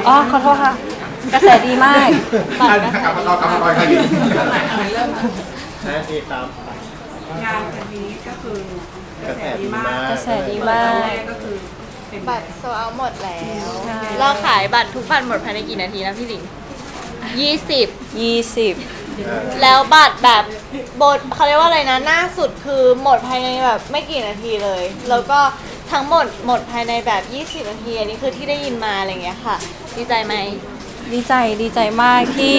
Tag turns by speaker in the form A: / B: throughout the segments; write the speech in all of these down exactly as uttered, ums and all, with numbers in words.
A: อ๋อขอโทษค่ะกระแสดีมาก
B: อ่ะกลับมาต่อกลับมาต่อใครดี
C: นะที่ตาม
D: งานอันนี้ก็คือกระแสดีมาก
A: กระแสดีมาก
D: แรกก็คือเป็น
E: บัตรโซเอาหมดแล้ว
A: ใช่
E: เราขายบัตรทุกบัตรหมดภายในกี่นาทีนะพี่หลิงยี่สิบ
A: ยี่สิบ
E: แล้วบัตรแบบบทเขาเรียกว่าอะไรนะหน้าสุดคือหมดภายในแบบไม่กี่นาทีเลย แล้วก็ทั้งหมดหมดภายในแบบยี่สิบนาทีอันนี้คือที่ได้ยินมาอะไรอย่างเงี้ยค่ะ ดีใจไหม
A: ดีใจดีใจมากที่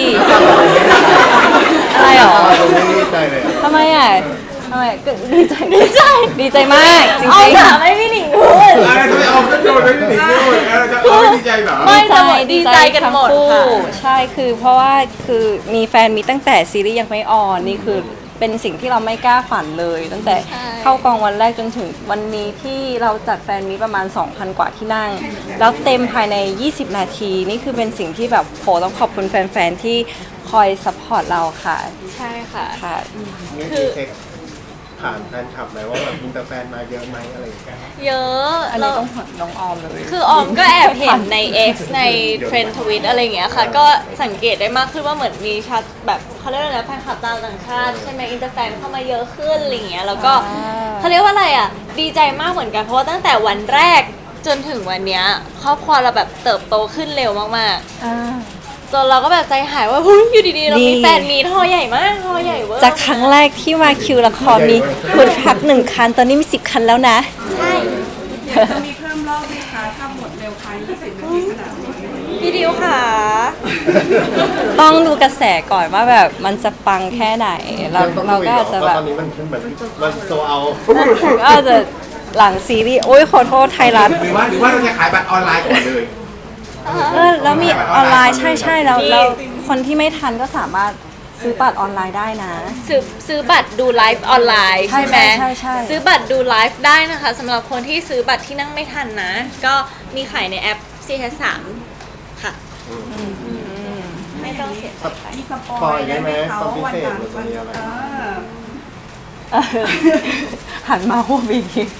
A: อะไรหรอ
C: ผมไม่ดีใจเลยอะ
A: ทำไมอ่ะทำไมก็ดีใจดีใจดีใจมากจริง
E: เอา
A: ๆ
E: ถามให้พี่หลิงพูด
B: อะไรทำไมเอาก็โยนไปที่หนิงด้วยเออจะเอาไม่ดีใจเหรอ
E: ไม่แต่หมดดีใจกันหมด
A: ทั้งคู่
E: ค่ะ
A: ใช่คือเพราะว่าคือมีแฟนมีตั้งแต่ซีรีส์ยังไม่ออนนี่คือเป็นสิ่งที่เราไม่กล้าฝันเลย ตั้งแต่เข้ากองวันแรกจนถึงวันนี้ที่เราจัดแฟนมีประมาณ สองพัน กว่าที่นั่ง แล้วเต็มภายใน ยี่สิบ นาที นี่คือเป็นสิ่งที่แบบโหต้องขอบคุณแฟนๆที่คอยซัพพอร์ตเราค่ะ
E: ใช่ค่ะ
A: ค่ะ
C: นี่คือเช็คผ่านแฟนคลับไหมว่าแบบมีแต่แฟนมาเยอะไหมอะไรอย่างเงี้ย
E: เยอะ
A: อันนี้ต้องขอบน้องออมเลย
E: คือออมก็แอบเห็นใน X ในเทรนด์ทวิตอะไรอย่างเงี้ยค่ะ ก็สังเกตได้มากขึ้นว่าเหมือนมีชัดแบบเขาเรียกว่าอะไรนะแฟนคลับต่างชาติใช่ไหมอินเตอร์แฟนเข้ามาเยอะขึ้นอะไรอย่างเงี้ยแล้วก็
A: อ่า
E: เขาเรียกว่าอะไรอ่ะดีใจมากเหมือนกันเพราะว่าตั้งแต่วันแรกจนถึงวันเนี้ยครอบครัวเราแบบเติบโตขึ้นเร็วมาก
A: อ่า
E: ๆจนเราก็แบบใจหายว่าเฮ้ยอยู่ดีๆเรามี
A: นี่
E: แฟนมีทอใหญ่มากทอใหญ่เวอร์
A: จากครั้งแรกที่มาคิวละครมีคุณพักหนึ่งคัน ตอนนี้มีสิบคันแล้วนะ
E: ใช่
D: อยากจะมีเพิ่มรอบไหมคะถ้าหมดเร็วภายยี่สิบนาทีขนาดนี้
E: พี่ดิวค่ะ
A: ต้องดูกระแสก่อนว่าแบบมันจะปังแค่ไหน เรา
C: ต้อง
A: เรา
C: คุย
A: ก็
C: เหร
A: อาจจะ
C: เพ
A: แบ
C: ราะ
A: บ
C: ตอนนี้มันเหมือนมันโซเอา
A: ก็อาจจะหลังซีรีส์โอ้ยขอโทษไทยรัฐ
B: หรือว่าหรือว่าเราจะขายบัตรออนไลน์ก่อนเลย
A: เออแล้วมีออนไลน์ใช่ใช่แล้วแล้วคนที่ไม่ทันก็สามารถซื้อบัตรออนไลน์ได้นะ
E: ซื้อซื้อบัตรดูไลฟ์ออนไลน์ใช่ไหม
A: ใช่ใช่ใช่
E: ซื้อบัตรดูไลฟ์ได้นะคะสำหรับคนที่ซื้อบัตรที่นั่งไม่ทันนะ ก็มีขายในแอป ซี เอส สาม ค่ะไม่ต้องเสียใจไป
D: มีสป
C: ปล่
D: อ
C: อย ย
D: ได้
C: ได้
D: ไห
C: ไห
D: ม
C: ม
D: เขา
C: ตอนพิ
D: วัน
C: เศษ
D: นั้น
C: หรือ
D: วั
C: วัน
D: น
C: นี้อะไร
D: เออ
A: เออหันมาพูดอีกที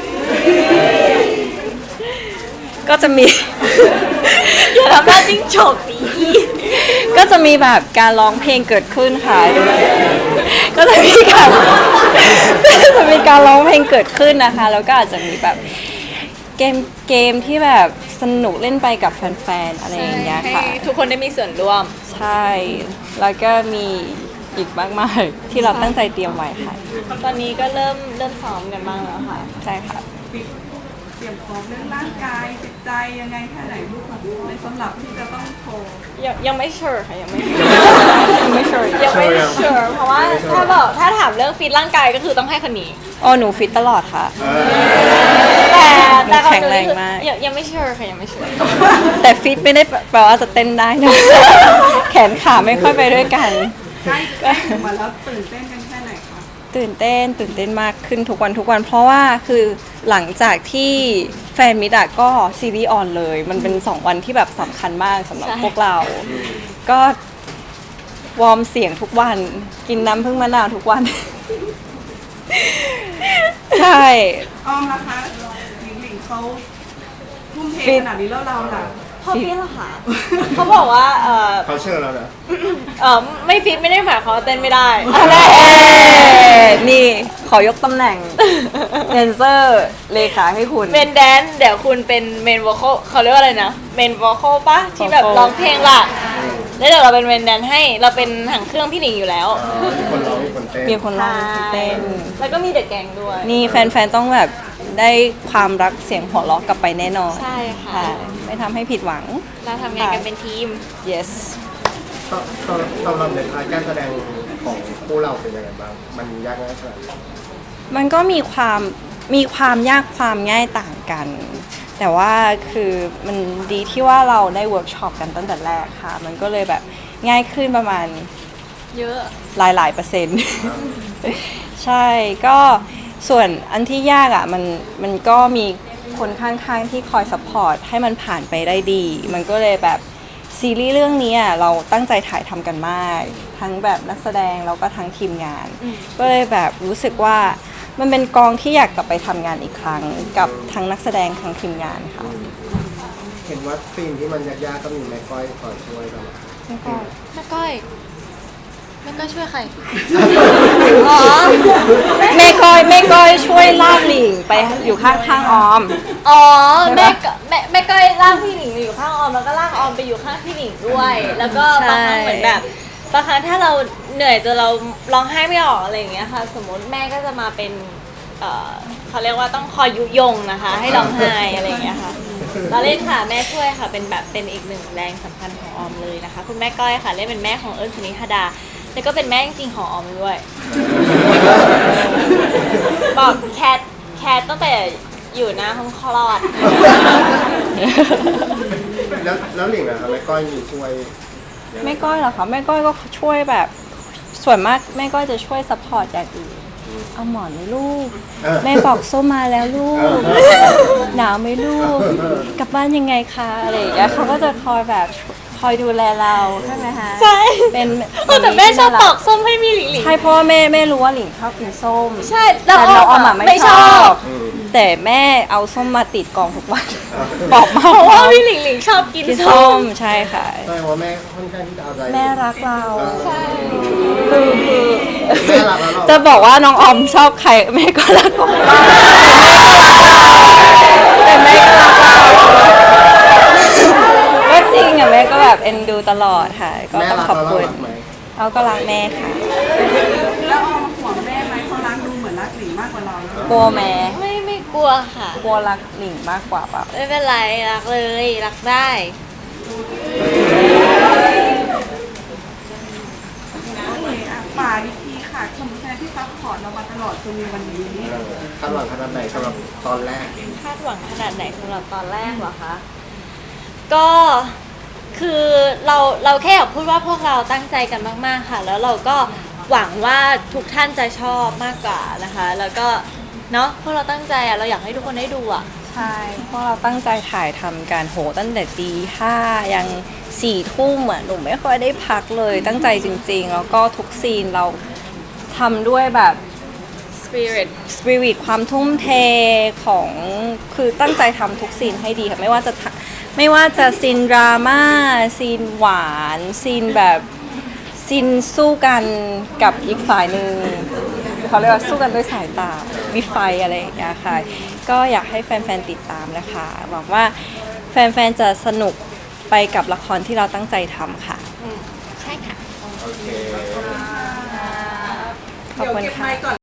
A: ก็จะมี
E: อย่าทำหน้าจิ้งจกดี
A: ก็จะมีแบบการร้องเพลงเกิดขึ้นค่ะ ก็จะมีการ ก็จะมีการร้องเพลงเกิดขึ้นนะคะ แล้วก็อาจจะมีแบบเกมเกมที่แบบสนุกเล่นไปกับแฟนๆอะไรอย่างเงี้ย
E: ให้
A: ค่ะ
E: ทุกคนได้มีส่วนร่วม
A: ใช่ แล้วก็มีอีกมากมายที่เราตั้งใจเตรียมไว้ค่ะ
E: ตอนนี้ก็เริ่มเริ่มซ้อมกันบ้างแล้วค่ะ
A: ใช่ค่ะ
D: เตรียมพร้อมเรื่องร่างกายจิตใจยังไงแค่ไหนลูกของในสำหรับที่จะต้องโทร
E: ยังยังไม่เชื่อค่ะยังไม่
A: ไม่ sure
E: ยังไม่เชื่อเพราะว่าถ้าบอกถ้าถามเรื่องฟิตร่างกายก็คือต้องให้คนนี้
A: อ๋อหนูฟิตตลอดค่ะ
E: แต่แต่เขา
A: แข็งแรงมาก
E: ยังยังไม่เชื่อค่ะยังไม่เชื่อ
A: แต่ฟิตไม่ได้แปลว่าจะเต้นได้นะ แขนขาไม่ค่อยไปด้วยกัน
D: ใกล้ใกล้ถึงวันแล้วตื่นเต้นกันแค่ไหนคะ
A: ตื่นเต้นตื่นเต้นมากขึ้นทุกวันทุกวัน เพราะว่าคือหลังจากที่แฟนมิดอะก็ซีรีส์ออนเลย มันเป็นสองวันที่แบบสำคัญมากสำหรับ
E: ใช่
A: พวกเรา ก็วอร์มเสียงทุกวัน กินน้ำพึ่งมะนาวทุกวัน ใช่
D: ออมล่ะคะหลิงหลิงเขาทุ่มเท
A: ฟิต
D: ขนาดนี้แล้วเราล่ะ
E: เขาฟิตเหรอคะเขาบอกว่าเออ
C: เขาเชื่อแล้วนะ
E: เออไม่ฟิตไม่ได้หมายความว่าเต้นไม่ได้
A: อะไรนี่ขอยกตำแหน่งเดนเซอร์เลขาให้คุณ
E: เมนแดนเดี๋ยวคุณเป็นเมนวอลคเขาเรียกว่าอะไรนะเมนวอลคปะที่แบบ
A: vocal
E: ร้องเพลงหลักแล้วเดี๋ยวเราเป็นเมนแดนให้เราเป็นหางเครื่องพี่หนิงอยู่แล้ว
C: อ๋อมีคนร้องมีคนเต้น
A: มีคนร้องเต้น
E: แล้วก็มีเดอะแกงด้วย
A: นี่แฟนๆ ต้องแบบได้ความรักเสียงหัวเราะกลับไปแน่นอน
E: ใช่ค่ะ
A: ไม่ทำให้ผิดหวัง
E: เราทำงานกันเป็นทีม
A: yes
C: ตอนตอนตอนเราในพาร์ทการแสดงของคู่เราเป็นยังไงบ้าง มันยากง่ายขนาดไหน
A: มันก็มีความมีความยากความง่ายต่างกัน แต่ว่าคือมันดีที่ว่าเราได้เวิร์กช็อปกันตั้งแต่แรกค่ะ มันก็เลยแบบง่ายขึ้นประมาณ
E: เยอะ
A: หลายหลายๆเปอร์เซ็นต์ ใช่ก็ส่วนอันที่ยากอ่ะมันมันก็มีคนข้างๆที่คอยซัพพอร์ตให้มันผ่านไปได้ดี มันก็เลยแบบซีรีส์เรื่องนี้อ่ะเราตั้งใจถ่ายทำกันมาก ทั้งแบบนักแสดงแล้วก็ทั้งทีมงาน ก็เลยแบบรู้สึกว่ามันเป็นกองที่อยากกลับไปทำงานอีกครั้ง กับทั้งนักแสดงทั้งทีมงานค่ะ
C: เห็นว่าซีนที่มันยากๆก็มีแม่ก้อยคอยช่วยตลอด
A: ไม่ก็
E: แม่ก้อยแม่ก้อยช่วยใคร อ๋อ
A: แม่ก้อยแม่ก้อยช่วยลากหลิงไปอยู่ข้างข้างๆออม
E: อ๋อ
A: ใช่
E: แม่
A: ปะ
E: ก็แม่แม่ก้อยลากพี่หนิงอยู่ข้างออมแล้วก็ลากออมไปอยู่ข้างพี่หนิงด้วย แล้วก็บางครั้งเหมือนแบบบางครั้งถ้าเราเหนื่อยจนเราร้องไห้ไม่ออกอะไรอย่างเงี้ยค่ะ สมมติแม่ก็จะมาเป็นเอ่อเขาเรียกว่าต้องคอยยุยงนะคะ ให้ร้องไห้อะไรอย่างเงี้ยค่ะเราเล่นค่ะแม่ช่วยค่ะเป็นแบบเป็นอีกหนึ่งแรงสำคัญของออมเลยนะคะ คุณแม่ก้อยค่ะเล่นเป็นแม่ของเอิญชนิธดาแล้วก็เป็นแม่จริงๆของออมด้วย บอกแคทแคทตั้งแต่อยู่หน้าห้องคลอด
C: แล้วแล้วหลิงอะครับแม่ก้อยมีช่วยยังไง
A: แม่ก้อยเหรอคะแม่ก้อยก็ช่วยแบบส่วนมากแม่ก้อยจะช่วยซัพพอร์ตอย่างอื่นเอาหมอนไหมลูก
C: เออ
A: แม่บอกส้มมาแล้วลู
C: เอก อ
A: หนาวไหมลูก กลับบ้านยังไงคะอะไรอย่างเงี้ยเขาก็จะคอยแบบคอยดูแลเราใช่ไหมคะ
E: ใช่
A: เป็น
E: เออแต่แม่ชอบปอกส้มให้มีหลิงหลิง
A: ใช่เพราะว่าแม่แม่รู้ว่าหลิงชอบกินส้ม
E: ใช่แล้ว
A: แต่น้องออม
E: ออ
A: อะ
E: ม
A: ไม่
E: ไม่
A: ช
E: ช
A: อ
E: อ
A: บบ แต่แม่เอาส้มมาติดกล่องทุกวันบอกมา
E: เพราะว่าพี่หลิงหลิงชอบกิน
A: กิน
E: ส้
A: ส้
E: ม
A: มใช่ค่ะ
C: แสดงว่าแม่ค่อนข้างที่จะเอาใจ
A: แม่รักเรา
E: ใช่
A: คือคือ
C: แม่รักเรา
A: จะบอกว่าน้องออมชอบใครแม่ก็รักของเราแต่แม่ก็รักเราก็จริงอ่ะแม่ก็แบบเอ็นดูตลอดค่ะ ก็
C: แม่
A: ต้อง
C: รัก
A: ขอบ
C: เรา
A: คุณ
C: รักไหม
A: เราก็รักแม่ค่ะ
D: แล้วออมห่วงแม่ไหมเขารักดูเหมือนรักหลิงมากกว่าเราแล้ว
A: กลัวแม่
E: ไม่ไม่กลัวค่ะ
A: กลัวรักหลิงมากกว่าเปล่า
E: ไม่เป็นไรรักเลยรักได้
D: โอเคอ่ะป่าอีกทีค่ะคนแฟนที่ซัพพอร์ตเรามาตลอดจนมีวันนี้
C: เออคาดหวังขนาดไหนสำหรับตอนแรก
E: คาดหวังขนาดไหนสำหรับตอนแรกเหรอคะ ก็คือเราเราแค่อยากพูดว่าพวกเราตั้งใจกันมากๆค่ะ แล้วเราก็หวังว่าทุกท่านจะชอบมากกว่านะคะ แล้วก็เนาะพวกเราตั้งใจอะเราอยากให้ทุกคนได้ดูอะ
A: ใช่เพราะเราตั้งใจถ่ายทำการโหตั้งแต่ตีห้ายังสี่ทุ่มอ่ะหนูไม่ค่อยได้พักเลยตั้งใจจริงๆ แล้วก็ทุกซีนเราทำด้วยแบบ
E: spirit
A: สปิริตความทุ่มเทของคือตั้งใจทำทุกซีนให้ดีค่ะไม่ว่าจะทะไม่ว่าจะซีนดราม่าซีนหวานซีนแบบซีนสู้กันกับอีกฝ่ายหนึ่งเขาเรียกว่าสู้กันด้วยสายตามีไฟอะไรอย่างเงี้ยค่ะก็อยากให้แฟนๆติดตามนะคะหวังว่าแฟนๆจะสนุกไปกับละครที่เราตั้งใจทำค่ะ
E: ใช่ค่ะ
C: โอเค
A: ขอบคุณค่ะ